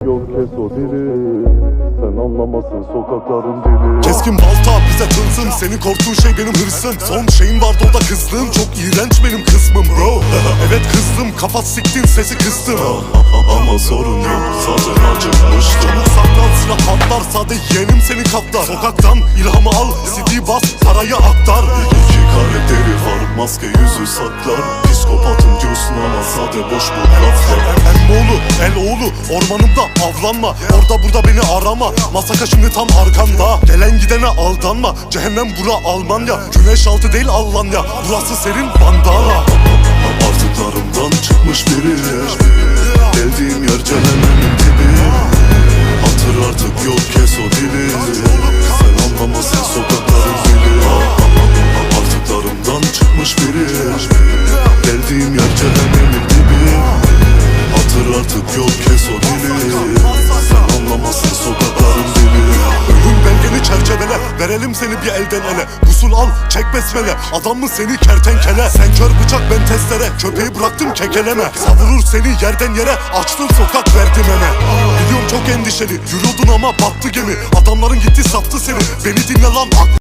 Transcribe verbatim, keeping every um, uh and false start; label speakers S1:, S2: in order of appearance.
S1: Yol kes o dili, sen anlamasın sokakların dili.
S2: Keskin balta bize tılsım, senin korktuğun şey benim hırsım. Son şeyim vardı o da kızlığım, çok iğrenç benim kısmım bro. Evet kızdım, kafa siktin sesi kıstım.
S1: Ama sorun yok, zaten acıkmıştım.
S2: Çabuk saklan, silah patlar, sade yeğenim senin kaplar. Sokaktan ilhamı al, C D bas, parayı aktar.
S1: İki karakteri var, maske yüzü saklar. Psikopatım diyorsun ama sade boş bu laflar.
S2: Emmoğlu, el oğlu, ormanımda avlanma. Orada burada beni arama, masaka şimdi tam arkanda. Gelen gidene aldanma, cehennem bura Almanya. Güneş altı değil Almanya, burası serin bandana.
S1: Artıklarımdan çıkmış biri, geldiğim yer cehennemin dibi. Hatır artık yol kes o dili, sen anlamasın sokakların dili. Artıklarımdan çıkmış biri, geldiğim yer cehennemin dibi. Hatır artık yol kes o dili, sen anlamasın sokakların dili.
S2: Ölüm belgeni çerçevele, verelim seni bir elden ele. Usul al, çek besmele, adam mı seni kertenkele. Sen kör bıçak ben testere, köpeği bıraktım kekeleme. Savurur seni yerden yere, açtın sokak verdim ene. Biliyorum çok endişeli, yürüyordun ama battı gemi. Adamların gitti sattı seni, beni dinle lan.